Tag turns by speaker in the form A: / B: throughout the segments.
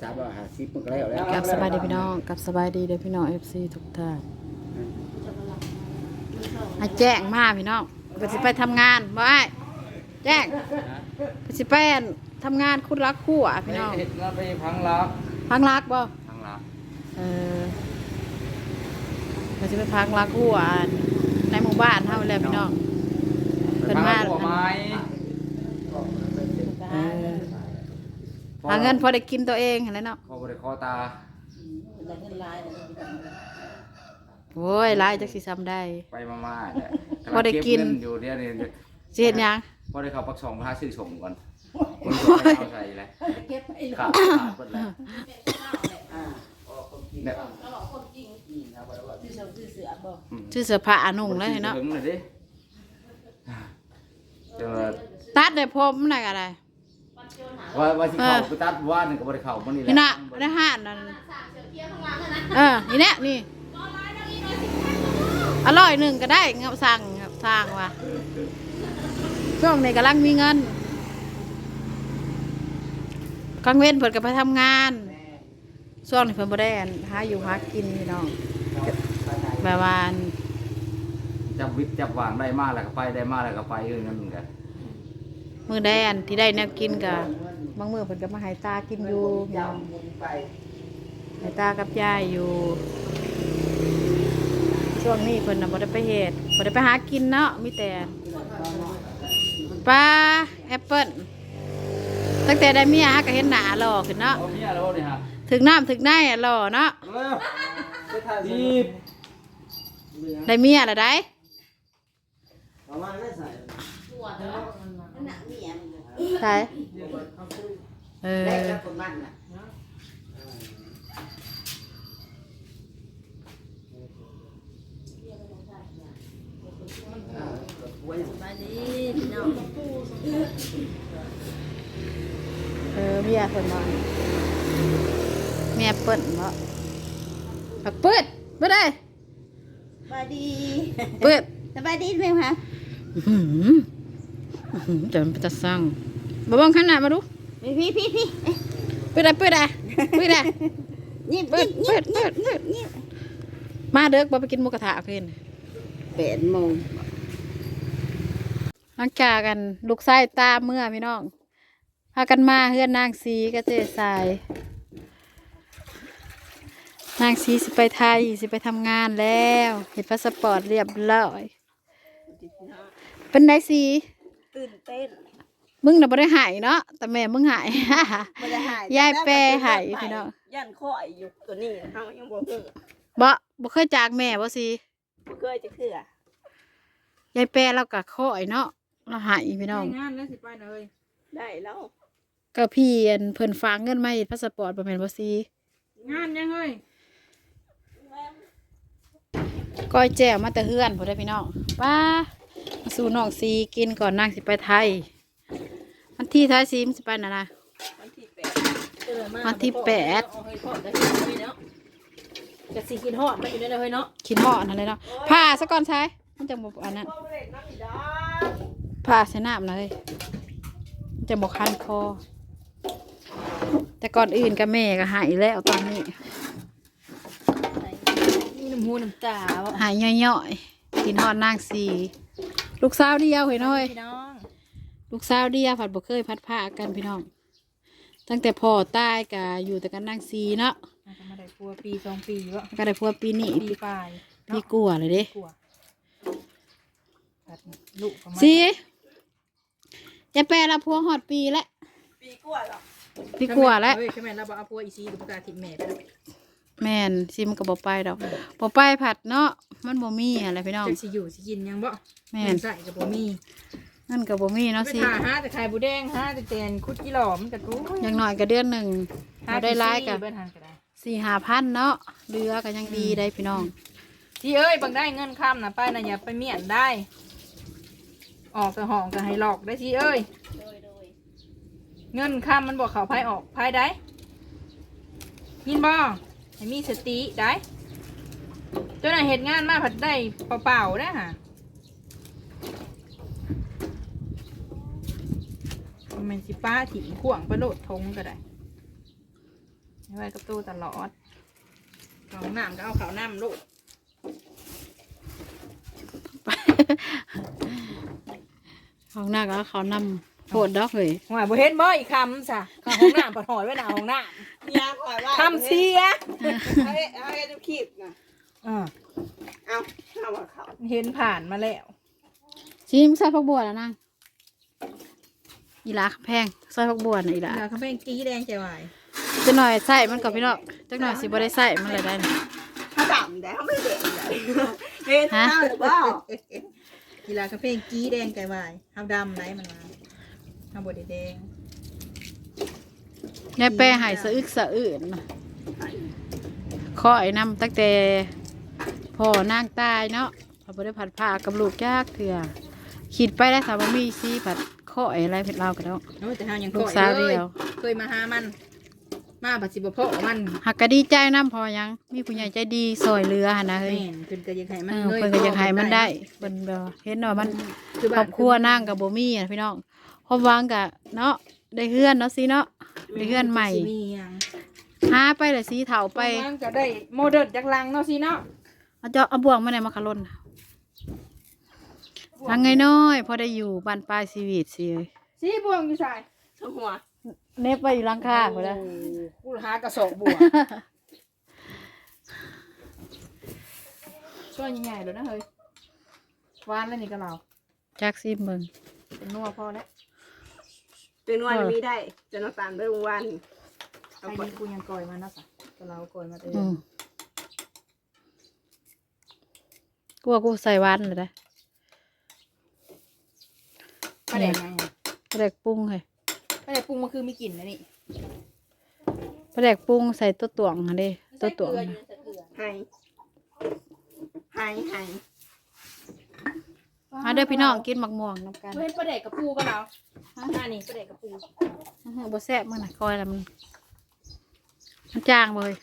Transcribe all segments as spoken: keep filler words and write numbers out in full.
A: สามร้อยห้าสิบมันก็แล้วแล้ว
B: กับสบายดีพี่น้องกับสบายดีเด้อพี่น้อง เอฟ ซี ทุกท่านให้แจ้งมาพี่น้องเพิ่นสิไปทำงานบ่อ้ายแจ้งเพิ่นสิไปทำงานคุดรักคู่อ่ะพี่น้อง
A: เฮ็ดงานไปพังลัก
B: พังรักบ่
A: พังลัก
B: เออเพิ่นสิไปพังรักคู่อ่ะในหมู่บ้านเฮาแหละพี่น้องเพิ่นมา
A: หัวไม้
B: เออหาเงินพอได้กินตัวเองหั่นแหละเนาะ
A: คอบริคอตา
B: โอ้ยหลายจักสิซ้ำได้
A: ไปมาม่าเนี่ย
B: พอได้กิน
A: เบเงิอยู่เดี๋ยวนี้
B: สิเฮ็ดหยัง
A: พอได้เข้าปักสองพาซื้อส่งก่อนคนส่งให้เอาใส่เลยขาดขาดหมดแล้วเนี่ย
B: ชื่อเสื้อผ้าอานุ่งเลยเนาะ
A: ถึงเลยดิเจอ
B: ตัดได้ผมน่ะก็ได้
A: ว่าว่าที่เขาไปตัดว่าหนึ่งกับบริเขามันนี่แหละ
B: นี่น่ะในห้านนั่นเออนี่แน่นี่อร่อยหนึ่งก็ได้เงาสั่งครับสั่งว่ะช่วงนี้กำลังมีเงินกลางเว้นเพิ่นก็ไปทำงานช่วงนี้เพิ่นบ่ได้หาอยู่หากินพี่น้องแบบว่า
A: จับวิทย์จับหวานได้มากแล้วก็ไปได้มากแล้วก็ไปเรื่องนั้นเหมือนกัน
B: มื้อแดนที่ได้แนวกินก็บางมื้อเพิ่นก็มาให้ตากินอยู่พี่น้องให้ตากับยายอยู่ช่วงนี้เพิ่นน่ะบ่ได้ไปเฮ็ดบ่ได้ไปหากินเนาะมีแต่ปลาแอปเปิ้ลตั้งแต่ได้เมียฮะก็เห็นหน้าหล่อขึ้นเนาะ
A: เอาเมียแล้วนี่ฮะ
B: ถึงน้ำถึงในอะหล่อเนาะ
A: เร็วไปถ่ายรีบ
B: ได้เมียละได้
A: ประมาณไม่ใส่
B: ใช่เออ
A: ได้แล้วคนมันน่ะ
B: เออเมียเพิ่นมาเมียเปิ้ลเนาะปักเปิดเปิดได้
C: สบายดี
B: เปิด
C: สบายดีไหมคะ
B: อื้อหืออื้อหือเดี๋ยวมันจะสั่งมาบ้องขนาดมาดู
C: พี่พี่พี่พี่เอ๊ะ
B: เปิดได้เปิดได้เปิดได้
C: นี่
B: เปิดเปิดเปิดเปิด
C: นี่
B: มาเด้อบ่ไปกินหมูกระทะเพิ่น
C: แปดโมง
B: หลังจากกันลูกชายตาเมื่อพี่น้องพากันมาเฮือนนางสีกระเจสายนางสีสิไปไทยสิไปทำงานแล้วเห็นพาสปอร์ตเรียบร้อยเป็นไดสี
C: ตื่นเต้น
B: มึงน่ะบ่ได้หายเนาะแต่แม่มึงหาย
C: ไม่ได้หาย
B: ยายแปรหายพี่น้อง
C: ยันข้อยอยู่ตัวนี้เขายังบอกเออ
B: บ่บ่เคยจากแม่บ่สิ
C: บ่เคยจะเคือ
B: ยายแปรเราก็ข้อยเนาะเราหายพี่น้อง
D: งานแล้วสิไปเลย
C: ได้แล้ว
B: ก็พี่อันเพิ่นฝากเงินมาเฮ็ดพาสปอร์ตบ่แม่นบ่สิ
D: งานยังเฮ้ย
B: ก้อยแจ่วมาแต่เฮือนพุ่นเด้อพี่น้องป้ามาสู่น้องสีกินก่อนนางสิไปไทยวันที่ท้ายสีมันสิไปน่ะนะ
C: วันที่แปดเออมา
B: วันที่แปด
C: เอาให้ทอดได้เลยเนาะจะสิกินฮอดมาอยู่ได้เลยเนาะ
B: คิดฮอดนั่นเลยเนาะผ่าซะก่อนใช้มันจังบ่อันนั้นผ่าใส่น้ำเลยมันจะบ่คันคอ แต่ก่อนอื่นก็แม่ก็หายแล้วตอนนี้
C: มีน้ำหูน้ำตาบ่
B: หายย่อยๆกินฮอดนางสีลูกสาวเดียวเห็นน้อย
C: พี่น้อง
B: ลูกสาวเดียวผัดบ่เคยพัดผ้ากันพี่น้อง ตั้งแต่พ่อตายก็อยู่แต่กันนางสีเนาะ
D: อาจจะมาได้ครัวปีสองปีวะ
B: ก็ได้พัวปีนี้
D: ปีปลาย
B: พี่กลัวเลยเด้
D: กลัวตัดลูกประมาณ
B: สีจะแปลละพัวหอดปีแล้ว
C: ปีกว่าแล้ว
B: พี่กลัวแล้ว
D: เฮ้ยใช่ไหมเราบอกเอาพัวอีซีดูประกาศถิ่นแม่ไปแล้ว
B: แม่นซิมนก็บ่ไปดอกบ่ไปผัดเนาะมันบ่มีอะไรพี่น้อง
D: จะสิอยู่สิกินยังบ่
B: แม่น
D: ใส่กับบ่มี
B: นั่นก็บ่มีเนาะ
D: ไป
B: สิ
D: ถ่าหาแต่ไข่บูแดงหาแต่แตนคุดกี่หล่อมันกระตุ้
B: อย่างน้อยก็เดือนหนึ่งเราได้ร้ายกับ
D: เบิ้ลหันก็ได้
B: สี่ห้าพันเนาะเรือก็ยังดีได้พี่น้อง
D: ที่เอ้ยบางได้เงินข้ามนะป้ายนะอย่าไปเมียนได้ ออกแต่ห้องก็ให้หลอกได้ที่เอ้ย
C: โดยโดย
D: เงินข้ามมันบอกเขาพายออกพายได้ยินบ่ให้มีสติได้เจ้าหน้าเหตุงานมาผัดได้เปล่าๆได้ฮะมันสิป้าถิ่งข่วงไปโลดทงก็ได้ไว้กับตู้ตลอดเขาน้ำก็เอาเขาน้ำลูก
B: ห้องหน้าก็เขานำโพดดอกเลย
D: หอยบ่เห็นบ่อีกคำซะข้างห้องน้ำปะหอยไว้หน้าห้องน้
E: ยาขอยว่า
D: ำคำเสีย
E: เอาให้เอาให้ดูคลิปนะ
D: อ่า
E: เอาเอาว่าเขา
D: เห็นผ่านมาแล้ว
B: ชิมใส่ผักบัวแล้วนางอีหลาแพงใส่ผักบัวน่ะอีหลา
D: เดี๋ยวเขาเป็นกี้แดงใจวาย
B: จะหน่อยใส่มันกับพี่น้องจักหน่อยสิบ่ได้ใส่มันเลยได้นี่
E: เขาดำได้เขาไม่เด็กเลยเห็นหน้าหรือเปล่า
D: กีฬากาแฟกี้แดงใจวายเฮาดำไหนมันมาเฮาบดแดง
B: แม่แป้ใหายสะอึกสะอื่นขอไอ้น้ำตั้งแต่พ่อนางตายเนาะพอบ่ได้ผัดผ้ากับลูกยากเถื่อคิดไปได้สามมีซีผัดข้อไอ้อะไรเผ็ดเรากันแล้ว
D: โอ้แต่เฮายัง
B: ลู
D: ก่
B: ก
D: อย
B: สาว
D: เล
B: เดี
D: ย
B: ยว
D: เคยมาหามัน มาปัจจุบันพ่อมัน
B: หักก็ดีใจน้ำพอยังมีผู้ใหญ่ใจดีซอยเรือหั่นนะเฮ้ย
D: แม่นเพิ่นก็ยังให้มั
B: เอน อ
D: เลย
B: เพิ่นก็อยากให้มันได้เพิ่นแบบเห็นว่ามัน
D: คือ
B: ครอบครัวนั่งกับบ่มีอะพี่น้องพอวางกับเนาะได้เฮือนเนาะสิเนาะได้เฮือนใหม่
D: สิมีหยัง
B: หาไปเลยสีเถาไป
D: ไปก็ได้โมเดิร์นจากลังเนาะสิเนาะ
B: เอาเจาะเอาบ่วงมาไหนมาขะล่นลังไงน้อยพอได้อยู่บ้านปลายชีวิตสิ
D: สิบวงอยู่ใส่
E: ทั้งหัว
B: เน็บไปอยู่หลังคาพุ่นละ
D: กูหากระสอบบวกช่วยใหญ่ๆเลยนะเฮ้ยวานแล้วนี่ก็เรา
B: จักซิมเบิ่ง
D: เป็นนัวพอแล้ว
E: เป็นวันมีได้จะน้ำตาลไปวัน
D: ใครดีกูยังก่อยมานะสะก็เราก่อยมาเอ
B: อื
D: ง
B: มกูว่ากูใส่หวานเลยได้
D: ประเด็นไง
B: ปลาแดกปรุงให้
D: ประเด็นปรุงมันคือมีกลิ่นนะนี่
B: ปลาแดกปรุงใส่ตัวตวงหั่นเด้ตัวตวง
E: ให้ให้ให้
B: มาเด้อพี่น้องกินหมักม่วงนำกัน
D: เห็นประเด็นกับปูก็เราอ่านี่ประเด็นกับปู
B: อื้อหือบ่แซ่บมื้อน่ะคอยแล้วมันมันจางเลย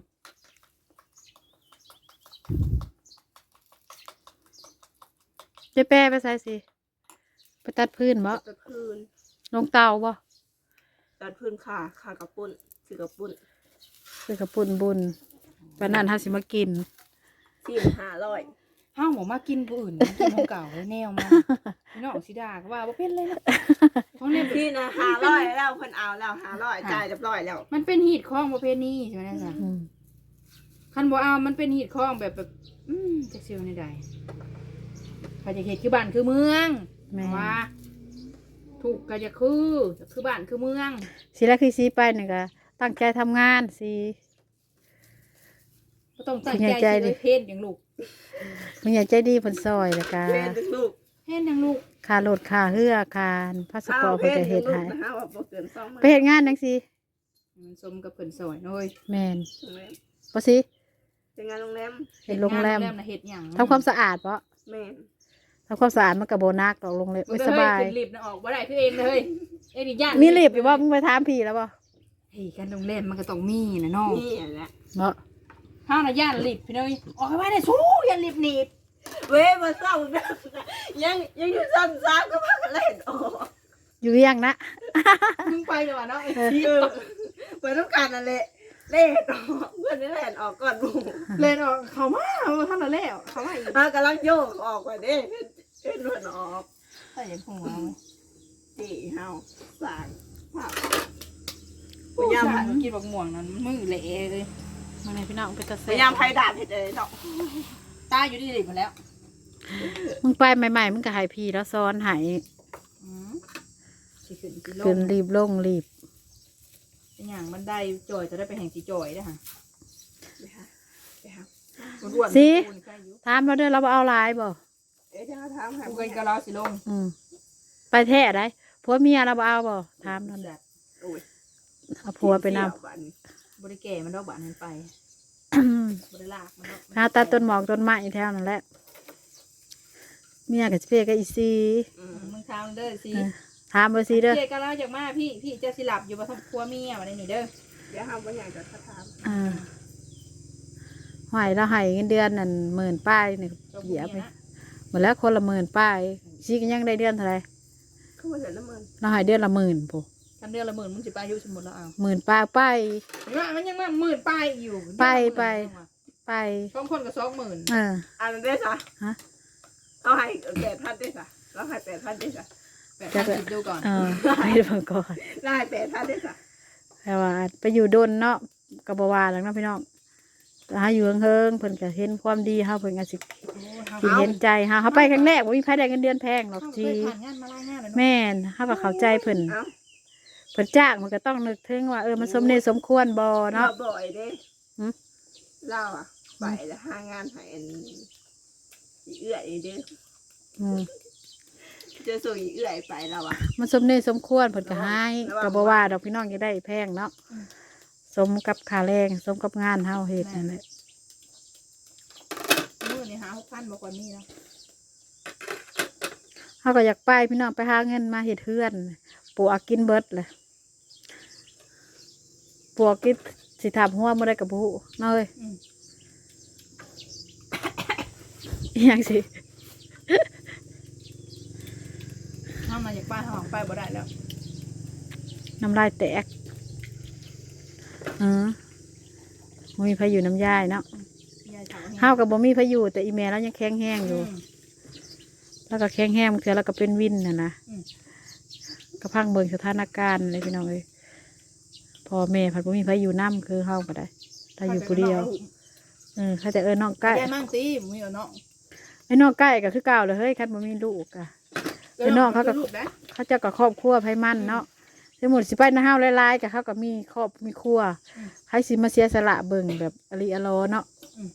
B: เจ๊แป้ไปใส่สิไปตัดพื้นบ่
E: ตัดพื้น
B: ลงเตาบ่
E: ตัดพื้นขาขากระปุ่นถือกระปุ่น
B: ซื้อกระปุ่นบุญปานนั้นเฮาสิมากิน
E: สี่ห้าร้อย
D: ห้าวหมูมากินผู้อื่นกินของเก่าเลยแนวมาพี่น้องสิดาก็ว่าบ่เป็นเลยนะเพราะเนี่ย
E: พี่นะห้าร้อยแล้วเพิ่นเอาแล้วห้าร้อยจ่ายเรียบร้อยแล้ว
D: มันเป็นหีดคล้องประเภทนี้ใช่ไหมจ๊ะ
B: อืม
D: คันบ่เอามันเป็นหีดคล้องแบบแบบอืมจักเซียวในใดพอจะเห็ดคือบ้านคือเมือง
B: แม่
D: ว่าถูกก็จะคือคือบ้านคือเมือง
B: สิแรกคือสิไปนี่ก็ตั้งใจทำงานสิ
D: ก็ต้องตั้ง
B: คุณ
D: ใจ
B: ยายใจ
D: สิ
B: ดิ
D: เลยเพศอย่างลูก
B: ผู้ใหญ่ใจดีเพิ่นซอยแล้วก็
E: เพื่อนถึงลูก
D: เพศอย่างลูก
B: ค่ารถค่าเรือค่าพาสปอร์ตเพิ่นก็เฮ็ดให้
E: นะฮะว่าบ่เกินสองมื้อ
B: ไปเฮ็ดงานจังซี่
D: มันสมกับเพิ่นสอยเอ้ย
B: แม่น
E: โรงแรม
B: บ่สิ
E: เป็นงานโรงแรม
B: เฮ็ดโรงแรม
D: เฮ็ดงานโรงแรมน่ะเฮ็ดหยัง
B: ทำความสะอาดบ่
E: แม่น
B: ทำความสะอาดมันก็บ่หนักดอกโรงแรม
D: มัน
B: ไม่
D: ก็
B: ส
D: เฮ้ย
B: บาย
D: ขึ้นลิฟต์น่ะออกบ่ได้คือเองเลยเอ็นี่ย่าน
B: มีรีบอยู่บ่มึงไปถามพี่แล้วบ่
D: เฮ้ยการโรงแรมมันก็ต้องมีนะน้อง
E: นี่แหละ
B: เนาะ
D: ห้าวน่ะย่านลิฟต์พี่น้อยออกไปไว้ได้สู้ย่านลิฟต์หนีบ
E: เว้ยมาเศร้านะยังยังอยู่ซ้ำซ้ำก็พากันเล่นออก
B: อยู่เวียงนะ
D: มึงไปดีกว่าเนาะ
E: เออเปิดต้องการอะไรเล่นออกเพื่อนนี่เล่นออกก่อนหมู่
D: เล่นออกเขามาเอาท่านละแล้วเขามาอีก
E: มากำลังโยกออกไปเด้เล่นเพื่อนออก
D: ใส่ยังหัว
E: จีเฮาสางภาพ
D: พยายามกินบักม่วงนั้นมือเละเลย
B: มาไหนพี่น้องไปตะ
E: พ
B: เซ่
E: ยายามไพ่ดาบเห็ดเลยเนาะ
D: ตายอยู่ที่ลิฟต์มาแล้ว
B: มึงไปใหม่ๆมึงก็ให้พี่แล้วซ้อนให้
D: สิขึ้นสิล
B: ขึ้น
D: ง
B: รีบลงรีบ
D: เป็นอย่างมันได้จอยจะได้ไปแห่งสีจอยได้ค่ะ
E: ไปหาไปหา
D: อ้วนๆ
B: สิ
D: ปูนใกล้อยู่
B: ถามเราเด้อเราบ่เอาหลายบ่
E: เอ๊ะจะถามหา
D: ปูกันกะเราสิลง
B: อืมไปแท้ได้ผัวเมียเราบ่เอาบ่ถามนั่น
D: แบบ
E: โอ้ย
B: เอาผัวไปนำ
D: บริแก่มันดอกบานมันไปบริลากมันดอก
B: หาตัดต้นหมอกต้นไม้แถวนั่นแหละเมียกับเป้กับอีซี
D: มึงทำเด้อสิ
B: เออถามบ่ซีเด้อ
D: เจ๊ก็เล่าจากมาพี่พี่จะสิหลับอยู่บนทับครัวเมียมาในนี่เด้อ
E: เดี๋ยวหาว่าอยากจะถาม
B: อ่าหอยเราให้เงินเดือนนั่นหมื่นป้ายนี่เหยียบไปหมดแล้วคนละหมื่นป้ายซีก็ยังได้เดือนเท่าไหร่
E: เขามาเห็นน้ำมัน
B: เราให้เดือนละหมื่นปุ๊
D: ถ้าคันเดือนละหมื่นมึงสิไปอายุสมมุติแล้วเอา
B: หมื่นปลายไป
D: เห็นว่ามันยังมาหมื่นปลายอยู่
B: ไปไป ไป
D: สองคนกับสองหมื่น
B: เออ
E: อันนั้นได้ซะ
B: ฮะ
E: เขาให้แปดพันได้ซะเราให้แปดพันได้ซะ
D: แปดพันสิบดูก่อน
B: เออไปเบิ่งก่อน
E: เราให้แปดพันได้ซะ
B: แต่ว่าไปอยู่ดนเนาะกับบวาแล้วเนาะพี่น้องแต่หาอยู่เฮิงๆเพิ่นก็เห็นความดีเฮาเพิ่นก็สิสิเห็นใจเฮาเฮาไปครั้งแรกบ่มีไผได้เงินเดือนแพงหรอก
D: เขาเค
B: ที
D: ยผ่านงานมาหลายงานแล้วเนาะ
B: แม่นเฮาก็เข้าใจเพิ่น
E: เอ้า
B: เพิ่นจ้างมันก็ต้องนึกถึงว่าเออมันสมเหตุสมควรบ่
E: เรา
B: เนาะ
E: บ่อยเด้
B: หืม
E: เราอ่ะไปแล้วหางานให้อันอีเอื้อยเด้อ
B: อืม
E: จะส่งอีเอื้อยไปเราอ่ะ
B: มันสมเหตุสมควรเพิ่นก็ให้ก็บ่ว่าดอกพี่น้องจะได้แพงเนาะสมกับค่าแรงสมกับงานเฮาเฮ็ดนั่นแหละ
D: มื้อนี่หาหกพันบ่ก่อนนี้เนาะ
B: เฮาก็อยากไปพี่น้องไปหาเงินมาเฮ็ดเฮือนปลูกกินเบิดแหละปลูกกินสิถามหัวบ่ได้ก็บ่ฮู้เนาะเอ้ย
D: อืม
B: อีหยังสิ
D: ถ้ามาจากป้าทางไปบ่ได้แล้ว
B: น้ำลายแตกเออบ่มีพายุน้ำยายเนาะ
D: ยายถาม
B: เฮากับบ่มีพายุแต่อีแม่เรายังแข็งแห้งอยู่ แล้วก็แข็งแห้งบางเทื่อแล้วก็เป็นวินน่ะนะก็พังเบิ่งสถานการณ์เลยพี่น้องเอ้ยพ่อแม่พัดบ่มีพายุน้ำคือเฮาก็ได้ถ้าอยู่ผู้เดียวเออเขาจะเอิ้นน้องใกล้
D: ยายมั่งสิบ่มีเอาเนาะ
B: ไอ้น้องใกล้ก็คือเก่าเลยเฮ้ยคันบ่มีลูกอ่ะ ไอ้น้องเขาก็
D: ลูกนะ
B: เขาเจ้าก็ครอบครัวไผมันเนาะสมมุติสิไปนะเฮาหลายๆก็เขาก็มีครอบมีครัวใครสิมาเสียสละเบิ่งแบบอริอลอเนาะ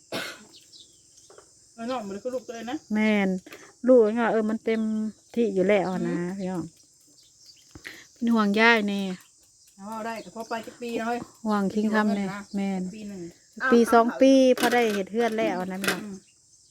D: เอาเนาะบ่ได้คือลูกตัวเลยนะ
B: แม่นลูกก็เออมันเต็มที่อยู่แล้วนะพี่น้องเป็นห่วงย่ายแน่
D: เอาเอาได้ก็พอไปจักปีนะเฮ้ย
B: ห่วงคิงคำแน่แม่น
D: ปีหนึง
B: ปีสองปีพอได้เห็ดเฮือนแล้วนะพี่น้อง
D: อืม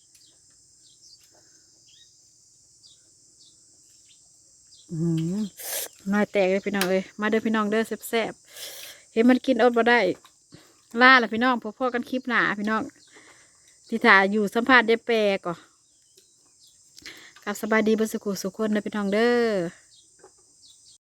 B: อืมน้อยแตกเลยพี่น้องเอ้ยมาเด้อพี่น้องเด้อแซ่บๆเห็นมันกินอดบ่ได้ล่าละพี่น้องพอๆกันคลิปหนาพี่น้องที่ถ่ายอยู่สัมภาษณ์ได้แปลก่อกับสบายดีเบดสุขุสุขคนนะพี่น้องเด้อ